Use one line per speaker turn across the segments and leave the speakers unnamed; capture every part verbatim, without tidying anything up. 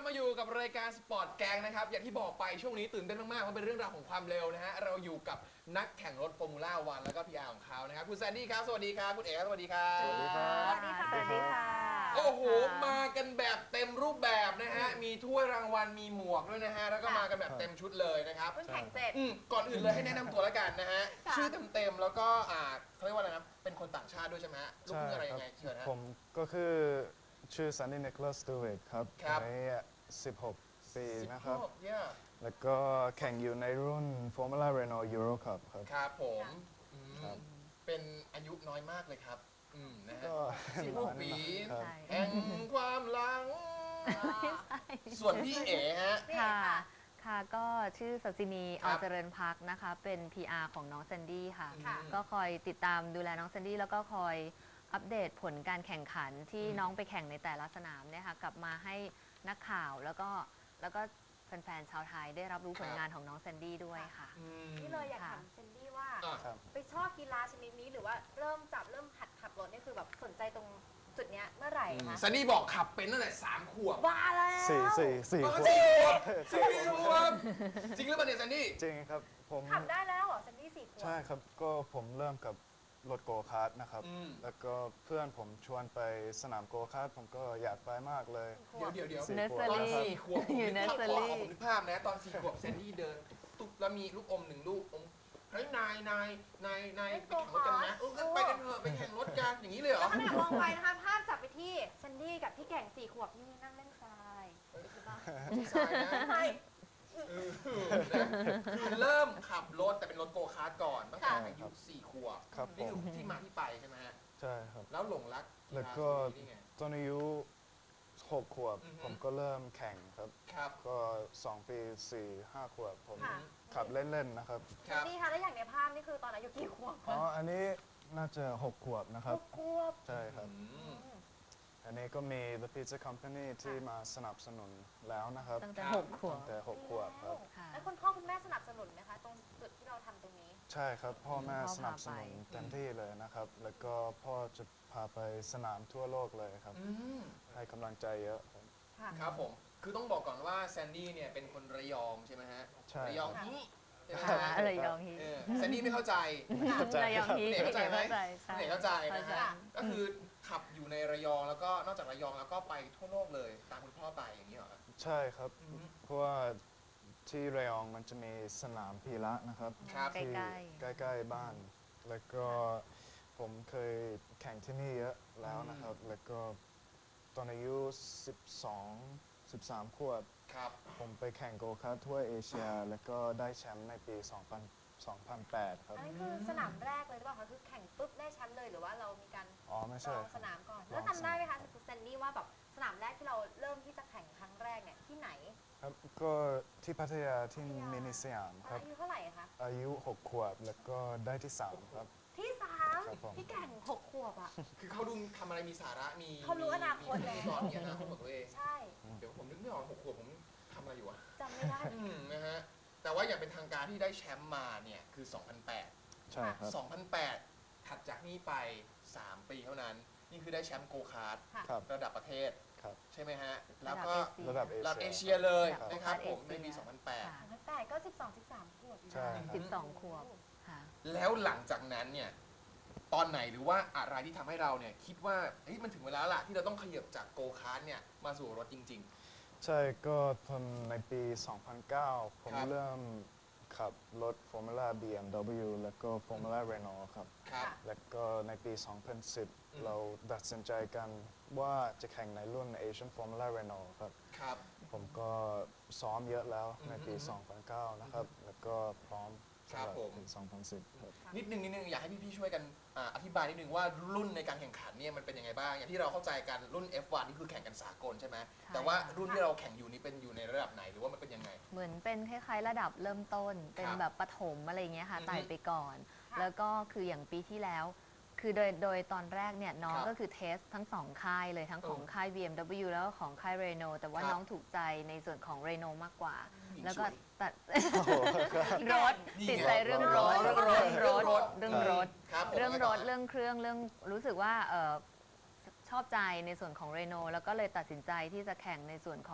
มาอยู่กับรายการสปอร์ตแกงนะครับอย่างที่บอกไปช่วงนี้ตื่นเต้นมากๆเพราะเป็นเรื่องราวของความเร็วนะฮะเราอยู่กับนักแข่งรถฟอร์มูล่าวันแล้วก็พีอาร์ของเขานะครับคุณแซนดี้ครับสวัสดีครับคุณเอ๋สวัสดีครับสวัสดีครับ
สวัสดีค่ะ สวัสดีค่ะ
โอ้โหมากันแบบเต็มรูปแบบนะฮะมีถ้วยรางวัลมีหมวกด้วยนะฮะแล้วก็มากันแบบเต็มชุดเลยนะครับ
เพิ่งแข่งเสร็จ
อืมก่อนอื่นเลยให้แนะนำตัวแล้วกันนะฮะชื่อเต็มๆแล้วก็อ่าเขาเรียกว่าอะไรนะเป็นคนต่างชาติด้วยใช่ไหมฮะลูกครึ่งอะไรยังไงเชิญฮะ
ผมก็คือชื่อซันนี่ นิโคลัส สตูเวตครับ
ครับ
อายุสิบหกปีนะครับ
สิบหกเนี่ย
แล้วก็แข่งอยู่ในรุ่น Formula Renault Euro Cup ครับ
ครับผมอืม
ครับ
เป็นอายุน้อยมากเลยครับอืมนะฮะ
ก็
สิบหกปี
ครับ
ใช่
แห่งความหลัง ส่วนพี่เอ๋ฮะ
นี่
ค่ะ
ค่ะ
ค่ะ ก็ชื่อสัสินี
ครั
อบ เจริญพักนะคะ เป็น พี อาร์ ของน้องแซนดี้ค่ะ
ค่ะ
ก็คอยติดตามดูแลน้องแซนดี้แล้วก็คอยอัปเดตผลการแข่งขันที่น้องไปแข่งในแต่ละสนามเนี่ยค่ะกลับมาให้นักข่าวแล้วก็แล้วก็แฟนๆชาวไทยได้รับรู้ผลงานของน้องแซนดี้ด้วยค่ะ
อืม
นี่เลยอยาก
ค่ะ
ถามเซนดี้ว่า
อ่ะ
ครับ
ไปชอบกีฬาชนิดนี้หรือว่าเริ่มจับเริ่มหัดขับรถนี่คือแบบสนใจตรงจุดเนี้ยเมื่อไหร่คะ
ซันนี่บอกขับเป็นตั้งแต่สามขวบ
ว้าแล้ว
สี่สี่สี่
อ๋อ
ขวบ
สี่ขวบสี่ขวบจริงหรือเปล่าเนี่ยซันนี่
จริงครับ ผม
ขับได้แล้วเหรอเซนดี้สี่ขวบ
ใช่ครับ ก็ผมเริ่มกับรถโกคาร์ทนะครับ
อืม
แล้วก็เพื่อนผมชวนไปสนามโกคาร์ทผมก็อยากไปมากเลย
ขว
เดี๋ยว
บ
เดี๋ยวเดี๋ยว
สี่
เนส
ข
เซ
ว
อบ
ตอน
รี่
สี่ขวบผม
อยู่
นึกภาพ
nursery
ขอผมนึกภาพนะตอนสี่ขวบแซนดี้เดินตุ๊บแล้วมีลูกอมหนึ่งลูกอมเฮ้ยนายนายนายนายไปแข่งรถกันนะเอองั้นไปกันเถอะไปแข่งรถกันอย่างนี้เลยเหรอ
แล้วขณะมองไปนะคะภาพจับไปที่เซนดี้กับที่แข่งสี่ขวบนี่นั่งเล่นทรายใช่ปะ
ใช่นะ
ใช่
เออนะคือเริ่มขับรถแต่เป็นรถโกคาร์ทก่อนตั้งแต่
ค่ะ
อายุสี่ขวบ
ครับ
นี่
ผม
คือที่มาที่ไปใช่ไหมฮะ
ใช่ครับ
แล้วหลงรัก
แล้วก็
กีฬาชนิดนี้ไง
ตอนอายุหกขวบ
อือฮึ
ผมก็เริ่มแข่งครับ
ครับ
ก็สองปีสี่ห้าขวบผม
ค่ะ
ขับเล่นๆนะครับ
ครั
เซ
บ
นดี้คะแล้วอย่างในภาพนี่คือตอนอายุกี่ขวบ
อ๋อ
คะ
อันนี้น่าจะหกขวบนะค
ห
รับ
กขวบ
ใช่ครับ
อืม
อันนี้ก็มี The Pizza Company ที่มาสนับสนุนแล้วนะครับ
ตั้งแต่
ครับ
หกขวบ
ตั้งแต่หกขวบครับ
ค่ะ
แล้วคุณพ่อคุณแม่สนับสนุนไหมคะตรงจุดที่เราทำตรงนี้
ใช่ครับ พ่อแม่
พ่อพา
สนับสนุน
ไป
เต็มที่เลยนะครับ แล้วก็พ่อจะพาไปสนามทั่วโลกเลยครับ
อืม
ให้กำลังใจเยอะครับ
ค่ะ
ครับผม คือต้องบอกก่อนว่าแซนดี้เนี่ยเป็นคนระยองใช่ไหมฮะ
ใช่
ระยองฮีใช่ไหม
ค่ะ
ฮะ
อะไรยองฮี
เออแซนดี้ไม่เข้าใจ
เข้าใจ
ระยองฮี
เด็กเข้าใจไหม
ใช่
เด็กเข้าใจนะ
เข้าใจ
ฮะ ก็คือขับอยู่ในระยองแล้วก็นอกจากระยองแล้วก็ไปทั่วโลกเลยตามคุณพ่อไปอย่างนี้เหรอครับ
ใช่ครับ
อืม
เพราะว่าที่ระยองมันจะมีสนามพีระนะครับ
ครับ
ใกล้
ที่ใกล้ๆบ้าน แล้วก็ผมเคยแข่งที่นี่เยอะแล้วนะครับ แล้วก็ตอนอายุสิบสอง สิบสามขวบ
ครับ
ผมไปแข่งโกคาร์ททั่วเอเชีย แล้วก็ได้แชมป์ในปี สองพัน สองพันแปด ครับ
อันนี้คือสนามแรกเลยหรือเปล่าคะคือแข่งปุ๊บได้แชมป์เลยหรือว่าเรามีการ
อ๋อ ไม่
ล
ใช่
อง
ค
ส
รับ
นามก่อน
ลอง
แล้วจำได้ไหมคะ
สนาม
คุณเซนดี้ว่าแบบสนามแรกที่เราเริ่มที่จะแข่งครั้งแรกเนี่ยที่ไหน
ครับ ก็ที่พัทยาที่
พัทยา
มินิสยามครับ
อายุเท่าไหร่คะ
อายุหกขวบ แล้วก็ได้ที่สามครับ
ที่สาม
ครับผม
ที่แข่งหกขวบอ่ะ
คือเขาดูทำอะไรมีสาระ มี
เขารู้อนาคต
มี
แล้ว
มีก่อนมีอนาคตของตัวเอง
ใช่
เดี๋ยวผมนึกไม่ออกหกขวบผมทำอะไรอยู่วะ
จำไม่ได้
อืมนะฮะ แต่ว่าอย่างเป็นทางการที่ได้แชมป์มาเนี่ยคือ สองพันแปด
ใช่ครับ
สองพันแปด ถัดจากนี้ไป สาม ปีเท่านั้น นี่คือได้แชมป์โกคาร์ท
ค่ะ
ครับ
ระดับประเทศ
ครับ
ใช่ไหมฮะ แล้วก็
ระดับเอ
ระดับเอ
เชี
เชี
ย
ยเลย
ครับ
นะครับผม
เอ
ใน
เชีย
ปี สองพันแปด
ค่ะ
สองพันแปดก็สิบสอง สิบสามขวบอยู่นะ
ใช่ครับ
สิบสองขวบค่ะ
แล้วหลังจากนั้นเนี่ย ตอนไหนหรือว่าอะไรที่ทำให้เราเนี่ยคิดว่าเฮ้ยมันถึงเวลาละที่เราต้องขยับจากโกคาร์ทเนี่ยมาสู่รถจริง
ใช่ก็ตอนในปี สองพันเก้า ผม
ครับ
เริ่มขับรถ Formula บี เอ็ม ดับเบิลยู แล้วก็ Formula Renault ครับ
ๆ ครับ
แล้วก็ในปี สองพันสิบ
อืม
เราตัดสินใจกันว่าจะแข่งในรุ่น Asian Formula Renault ครับ
ครับ
ผมก็ซ้อมเยอะแล้วในปี
อืม
สองพันเก้า นะครับ แล้วก็พร้อม
ครั
สำห
บ
รับ
ผม
ปี สองพันสิบ ครับ
นิดนึงนิดนึงอยากให้พี่ๆช่วยกันอ่าอธิบายนิดนึงว่ารุ่นในการแข่งขันเนี่ยมันเป็นยังไงบ้าง อย่างที่เราเข้าใจกันรุ่น เอฟ วัน นี่คือแข่งกันสากลใช่ไหม
ใช่
แต่ว่า
ค่ะ
รุ่นที่เราแข่งอยู่นี่เป็นอยู่ในระดับไหนหรือว่ามันเป็นยังไง
เหมือนเป็นคล้ายๆระดับเริ่มต้น เป็น
ครับ
แบบปฐมอะไรอย่างเงี้ยค่ะ
อือฮึ
ไต่ไปก่อน
ค่ะ
แล้วก็คืออย่างปีที่แล้ว คือโดยโดยตอนแรกเนี่ยน้อง
ครับ
ก็คือเทสทั้งสองค่ายเลยทั้งของ
เออ
ค่าย บี เอ็ม ดับเบิลยู แล้วก็ของค่าย Renault แต่ว่า
ครับ
น้องถูกใจในส่วนของ Renault มากกว่า
ผู้หญิง
แล้วก็
สวย
ตัด
โอ้โหครับ
รถ
นี่
ติด
ไง
ใจเรื่องรถ
เรื่องรถ
เรื่องรถ
เรื่
เรื่
อ
อง ง
ร
ร
ถ
ถ
ครับผม
เรื่องรถ
แล้วก็
เรื่องเครื่องเรื่องรู้สึกว่าเอ่อชอบใจในส่วนของเรโนแล้วก็เลยตัดสินใจที่จะแข่งในส่วนของ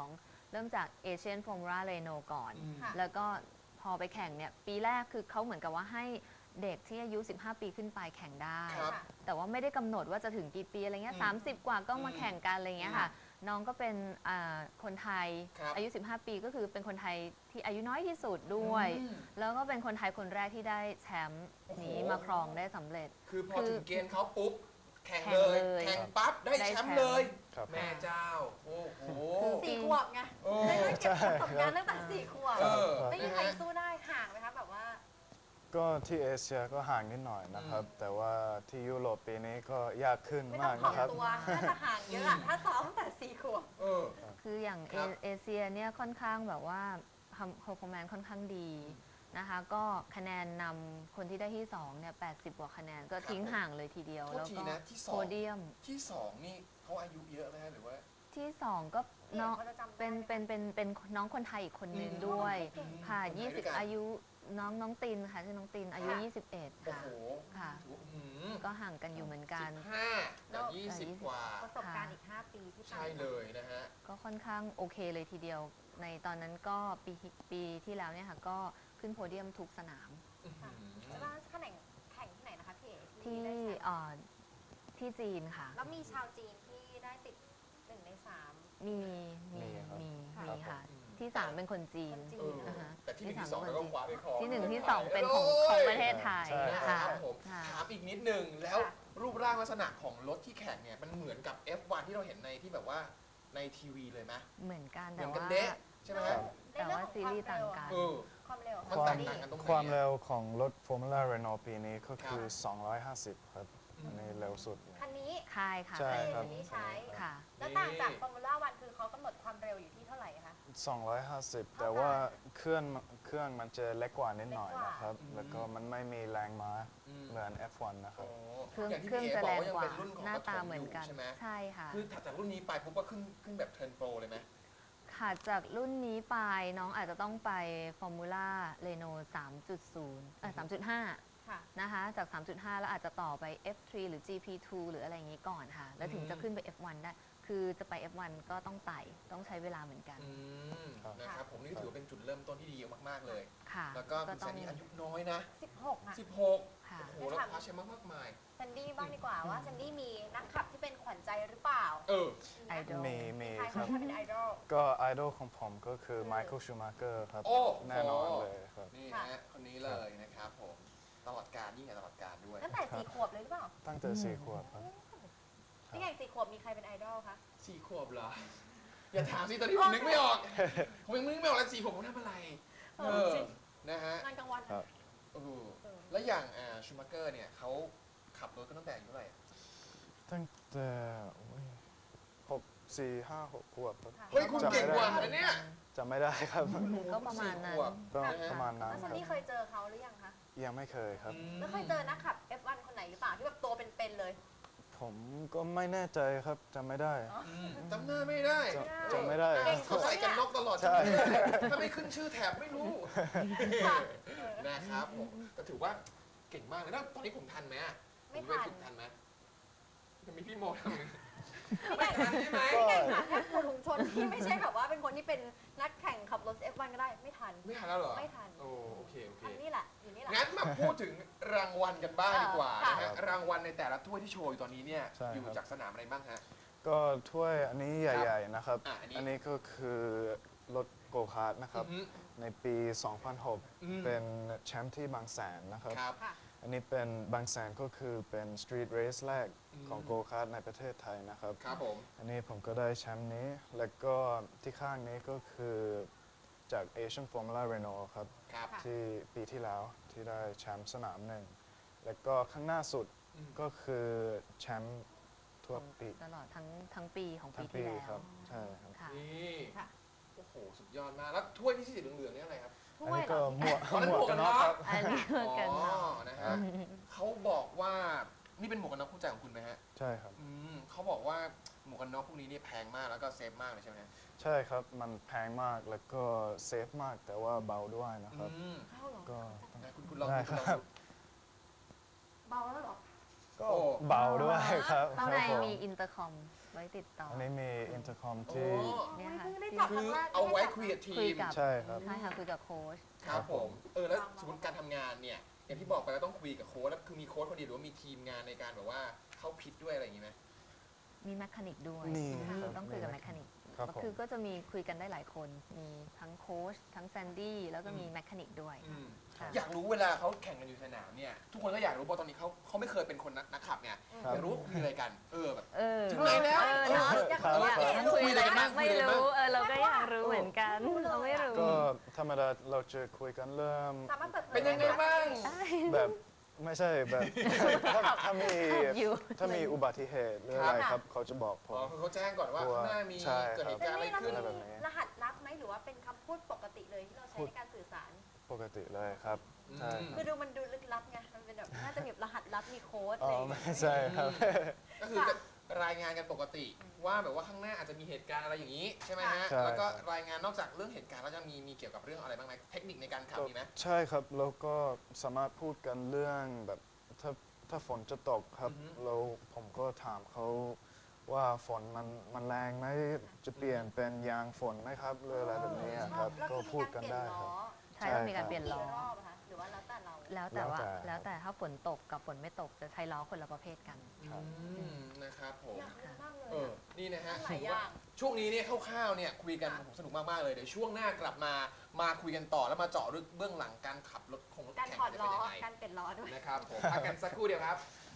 เริ่มจาก Asian Formula Renault ก่อน
อืม
ค่ะ
แล้วก็พอไปแข่งเนี่ยปีแรกคือเขาเหมือนกับว่าให้เด็กที่อายุ สิบห้า ปีขึ้นไปแข่งได้
ครับ
ค่ะ
แต่ว่าไม่ได้กำหนดว่าจะถึงกี่ปีอะไรเงี้ย
อืม
สามสิบ กว่าก็มา
อืม
แข่งกันอะไรเงี้ยค่ะ น้องก็เป็นอ่าคนไทย
ครับ
อายุ สิบห้า ปีก็คือเป็นคนไทยที่อายุน้อยที่สุดด้วย
อืม
แล้วก็เป็นคนไทยคนแรกที่ได้แชมป์นี้
โอ้โห
มาครองได้สำเร็จ
คือพอ
คือ
ถึงเกณฑ์เขาปุ๊บ แข่ง
แข่ง
เลย
เลย
แข่งปั๊บ ได้
ได้
แชมป์
แชมป์
เลย
ครับ
แม่เจ้า โอ้โห
สี่ขวบไง
โอ้
ได้ได้เก็บประสบการณ์ตั้งแต่สี่ขวบ
เออ
ไม่มี
นะ
ใคร
ฮะ
สู้ได้ห่างไหมคะแบบว่า
ก็ที่เอเชียก็ห่างนิดหน่อยนะครับ
อืม
แต่ว่าที่ยุโรปปีนี้ก็ยากขึ้น
ไม่ต้อ
มาง ก
ถ่อม
นะครับ
ตัวน่าจะห่างเยอะอะถ้าซ้อมตั้งแต่สี่ขวบ
เออ
คืออย่างเอ
ครับ
เอเชียเนี่ยค่อนข้างแบบว่าทำ performance ค่อนข้างดีนะคะ ก็คะแนนนำคนที่ได้ที่สองเนี่ยแปดสิบกว่าคะแนนก็ทิ้งห่างเลยทีเดียว
โทษ
แล้ว
ที
ก็
นะที่สอง
โพเดียม
ที่สองนี่เขาอายุเยอะไหมฮะหรือว่า
ที่สองก็น้อง
เขาจะจำได้
เป็น
ไหม
เป็นเป็นเป็นน้องคนไทยอีกคนนึง
อืม
ด้วย
เก่ง
ค่ะ
คนไทยด้วย
ยี่สิบ
กัน
อายุน้องน้องตินค่ะชื่อน้องตินอายุ
ค่ะ
ยี่สิบเอ็ด
โอ้
ค่ะ
โห
ค่ะ
ถือว่าอื้อหือ
ก็ห่างกันอยู่เหมือนกัน
สิบห้ากับยี่สิบกว่า
ประสบการณ์อีก ห้า ปีที่ผ่าน
ใช่เลยนะฮะ
ก็ค่อนข้างโอเคเลยทีเดียว ในตอนนั้นก็ปีปีที่แล้วเนี่ยค่ะก็ขึ้นโพเดียมทุกสนาม
อื้อหือ
แล้วล่าแข่งแข่งที่ไหนนะคะพี่เอ๋
ที่
ได้แชมป์
เอ่อที่จีนค่ะ
แล้วมีชาวจีนที่ได้ติดหนึ่งในสาม
มีมี
มีครับ
มี
ค่ะ
มีค่ะ
อืม
ที่สามเป็นคนจีน
คนจี
เออ
อ่าฮะ
แต่ที่หนึ่ง
ที่
ที่สอง
สาม
แล้วก็คว้าไปครอง
ที่หนึ่ง
ประเทศ
ที่สอง
ไทย
เป็นของ
โย
ของประเทศไทย
ใช่
นะ
ค่ะ
ครับผม
ค่ะ
ถามอีกนิดนึงแล้ว
ค่ะ
รูปร่างลักษณะของรถที่แข่งเนี่ยมันเหมือนกับ เอฟ วัน ที่เราเห็นในที่แบบว่าในทีวีเลยไหม
เหมือนกัน
เหมื
แต่
อนกัน
ว่า
เดะใช่ไหมฮะ
แต่ว่าซีรีส์ต่างกัน
เออ
ความเร็ว
มัน
ความ
แตกต่างกันตรงไหน
ความ
อะ
เร็วของรถ Formula Renault ปีนี้ก็คือ
ครับ
สองร้อยห้าสิบ ครับ
อืม
อันนี้เร็วสุดเลย
คันนี้
ค่ายค่ะ
ใช่ ครับ
คันนี้ใช้
ค่ะ
แล้วต่างจากฟอร์มูล่าวันคือเขากำหนดความเร็วอยู่ที่เท่าไหร่คะ
สองร้อยห้าสิบ แต่ว่าเครื่องเครื่องมันจะเล็กกว่านิดหน่อยนะครับ
อืม
แล้วก็มันไม่มีแรงม้า
อืม
เหมือน เอฟ วัน นะครั
โอ้
บ
เครื่อง
ย่าที่
เครื่อง
พี่
จะ
บ
แร
อก
ง
ว่ายัง
กว่า
เป็นรุ่นของ
หน้าตา
ปฐ
เหมือนกัน
ยู่ใช่ไหม
ใช่ค่ะ
คือถัดจากรุ่นนี้ไปปุ๊บก็ขึ้นขึ้นแบบเทิร์นโปรเลยไหม
ค่ะจากรุ่นนี้ไปน้องอาจจะต้องไปฟอร์มูล่าเรโนสามจุดศูนย์เอ่อสามจุดห้า
ค่ะ
นะคะ จาก สามจุดห้า แล้วอาจจะต่อไป เอฟ ทรี หรือ จี พี ทู หรืออะไรอย่างนี้ก่อนค่ะ แล้วถึงจะขึ้นไป เอฟ วัน ได้ คือจะไป เอฟ วัน ก็ต้องไต่ ต้องใช้เวลาเหมือนกัน
อืม
ครับ
นะครับผมนี่ก็ถือว่าเป็นจุดเริ่มต้นที่ดีมากๆเลย
ค่ะ
แล้วก็คุณ
ต้
แซ
อน ง
นี่อายุน้อยนะ
สิบหกอ่ะ
สิบหก
ค่ะ
โอ้โหแล้วคว้าแชมป์มากมาย
แซนดี้บ้างดีกว่าว่าแซนดี้มีนักขับที่เป็นขวัญใจหรือเปล่า
เออ
ไอดอล
มีมี
ใคร
ครั
คะ
บ
ที่เป็นไอดอล
ก็ไอดอลของผมก็คือไมเคิลชูมาเกอร์ครับ
โอ้โห
แน่นอนเลยครับ
นี่
ค่ะ
ฮะคนนี้เลยนะครับผมตลอดการยิ่งใหญ่ตลอดการด้วย
ตั้งแต่สี่ขวบเลยหรือเปล่า
ตั้งแต่สี่ขวบครับ
ที่ไงสี่ขวบมีใครเป็นไอดอลคะ
สี่ขวบเหรอ อย่าถามสิตอนนี้ผมนึกไม่ออก ผมยังนึกไม่ออกเลยสี่ขวบผมทำอะไร
เอ
เอ
อ
อ
จริง
นะฮะ
งานกลางวัน
ครับ
เออ
เออ
แล้วอย่างอ่าชูมาเกอร์เนี่ยเขาขับรถก็ตั้งแต่อายุเท่าไหร่อะ
ตั้งแต่โอ้ยหกสี่ห้าหกขวบครับ
เฮ้ยคุณ
จำ
เก่ง
ไม่
กว่า
ได้
นะเนี่ย
จำไม่ได้ครับ
ก็ประมาณนั้น
สี่ขวบ
ก็ประมาณนั้น
แล้ว
ค
แซ
รั
น
บ
ดี้เคยเจอเขาหรือยังคะ
ยังไม่เคยครับ
แล้วเคยเจอนักขับ เอฟ วัน คนไหนหรือเปล่าที่แบบตัวเป็นๆเลย
ผมก็ไม่แน่ใจครับจำไม่ได้
อืมจำหน้าไม่ได้
จำจำไม่ได้
เก่ง
เขาใส่กันน็อกตลอด
ใช่
ถ้าไม่ขึ้นชื่อแถบไม่รู้
ค่ะ
นะครับผมก็ถือว่าเก่งมากเลยแล้วตอนนี้ผมทันไหมอะ
ไม่
ผป
ทัน
ฝึกทันไหมจะมีพี่โมทำไง
ไม่
ไม่ทันใช่ไหม
พี่ไก่ค่ะแค่ผู้ถุงชนที่ไม่ใช่แบบว่าเป็นคนที่เป็นนักแข่งขับรถ เอฟ วัน ก็ได้ ไม่ทัน
ไม่ทันแล้วเหรอ
ไม่ทัน
โอ้โอเคโอเค
อันนี้แหละ อยู่นี่แหละ
งั้นมาพูดถึงรางวัลกันบ้างดีกว่า
ค่ะ
นะฮะรางวัลในแต่ละถ้วยที่โชว์อยู่ตอนนี้เนี่ย
ใช่
อยู่
ครับ
จากสนามอะไรบ้างฮะ
ก็ถ้วยอันนี้ใหญ่ ๆ นะครับ
อ่ะอันนี้
อันนี้ก็คือรถโกคาร์ทนะครับ
อือฮึ
ในปี สองพันหก
อืม
เป็นแชมป์ที่บางแสนนะครับ
ครับ
ค่ะ
อันนี้เป็นบางแสนก็คือเป็นสตรีทเรสแรก
อืม
ของโกคาร์ทในประเทศไทยนะครับ
ครับผม
อันนี้ผมก็ได้แชมป์นี้ แล้วก็ที่ข้างนี้ก็คือจาก Asian Formula Renault ครับ
ครับ
ค่ะ
ที่ปีที่แล้วที่ได้แชมป์สนามหนึ่ง แล้วก็ข้างหน้าสุด
อืม
ก็คือแชมป์ทั่วปี
ตลอดทั้งทั้งปีของ
ทั้
ปี
ง
ที่
ปี
แล้ว
ครับ ใช่ครับ
ค่ะ
นี่
ค่ะ
โอ้โหสุดยอดมากแล้วถ้วยที่สีเหลืองๆนี่อะไรครับ
ถ้
อัน
วย
นี้
เหร
ก็
อ
หมวก
อ๋อนั่น
หมวกกันน็อกครับ
อันนี้เหมือนกัน
อ๋
เนาะ
อนะฮะเขาบอกว่านี่เป็นหมวกกันน็อกคู่ใจของคุณไหมฮะ
ใช่ครับ
อืมเขาบอกว่าหมวกกันน็อกพวกนี้เนี่ยแพงมากแล้วก็เซฟมากเลยใช่ไหมฮะ
ใช่ครับ มันแพงมากแล้วก็เซฟมากแต่ว่าเบาด้วยนะครับ
อืม
เข้าเหรอ
ก็ต้อง
นะคุณคุณลอง
ได้
ดูคุณลอง
ครับ
ดู
เบาแล้วเหรอ
ก็
โอ้
เบาด้วยครับ
ข้าง
ค
ใน
รับผม
มีอินเตอร์คอมไว้ติดต่อ
อันนี้มีอินเตอร์คอม
โอ้
ที่
เนี่ยค่ะ
เพิ่งได้จับ
คือเอาไว้คุยกับที
คุย
ม
กับ
ใช่ครับ
ใช่ค่ะคุยกับโค้ช
ครับผม เออแล้วสมมติการทำงานเนี่ย อย่างที่บอกไปแล้วต้องคุยกับโค้ชแล้วคือมีโค้ชคนเดียวหรือว่ามีทีมงานในการแบบว่าเข้าพิทด้วยอะไรอย่างนี้ไหม
มีแมคานิกด้วย
มี
นะคะ
ครับ
ต้องคุยกับ
มี
แมคานิก
ครับผม
คือก็จะมีคุยกันได้หลายคน มีทั้งโค้ชทั้งแซนดี้แล้วก็มีแมคานิกด้วย
อืม
ค่ะ
อยากรู้เวลาเขาแข่งกันอยู่สนามเนี่ยทุกคนก็อยากรู้เพราะตอนนี้เขาเขาไม่เคยเป็นคนนักนักขับไง
ครับ
อยากรู้ว่าคุยอะไรกัน เออแบบ
เออ
ถึงไหนแล้ว
เออเนาะ
อยาก
ครับ
รู้ว่า
ครับ
เอ๊ะ
คุยอะไรกันบ้าง
ไม่รู้เออเราก็อยากรู้เหมือนกัน เราไม่รู้
ก็ธรรมดาเราจะคุยกันเริ่ม
สามารถเปิดเผย
เป็นยังไงบ้าง
แบบไม่ใช่แบบ ถ้าถ้ามี
อยู่
ถ้ามีอุบัติเหตุหรืออะไรครับ เขาจะบอกผ
อ๋อ
ม
คือเขาแจ้งก่อนว่าข้างหน้ามี
ใช่ครับ
เกิดเหตุการณ์อะไรขึ้น
อะไรแบบนี้
รหัสลับไหมหรือว่าเป็นคำพูดปกติเลยที่เราใช้ในการสื่อสาร
ปกติเลยครับใช่
อืม
คือดูมันดูลึกลับไง มันเป็นแบบน่าจะมีรหัสลับมีโค้ด
อ๋
เล
อย ไม่ใช่ครับ
ก็คือจะรายงานกันปกติว่าแบบว่าข้างหน้าอาจจะมีเหตุการณ์อะไรอย่างนี้ใช่ไหมฮะ
ใช่
แล้วก็รายงานนอกจากเรื่องเหตุการณ์แล้วจะมีมีเกี่ยวกับเรื่องอะไรบ้างไหมเทคนิคในการขับมีไหม
ใช่ครับแล้วก็สามารถพูดกันเรื่องแบบถ้าถ้าฝนจะตกครับ
อือฮึ
เราผมก็ถามเขาว่าฝนมันมันแรงไหมจะเปลี่ยนเป็นยางฝนไหมครับหรืออะไรแบบนี้ครับ
แล้ว
ก็
คือ
พูดกันได้ครับ
ใช่ต้องมีการเปลี่ยนล้อ
กี่รอบอะคะหรือว่าแล้วแต่เรา
แล้วแต่ว่า
แล้วแต่
แล้วแต่ถ้าฝนตกกับฝนไม่ตกจะใช้ล้อคนละประเภทกัน
ครับ
อืมนะครับผม
อยากรู้มากเลย
เออ
อะ
นี่นะฮะ
หลายอย่าง
ช่วงนี้เนี่ยคร่าวๆเนี่ยคุยกัน
ค่ะ
ผมสนุกมากๆเลย เดี๋ยวช่วงหน้ากลับมา มาคุยกันต่อแล้วมาเจาะลึกเบื้องหลังการขับรถของรถ
การ
แข่ง
ถอด
จะ
ล้
เป็น
อ
ยังไง
การเปลี่ยนล้อด้วย
นะครับผมพักกันสักครู่เดียวครับ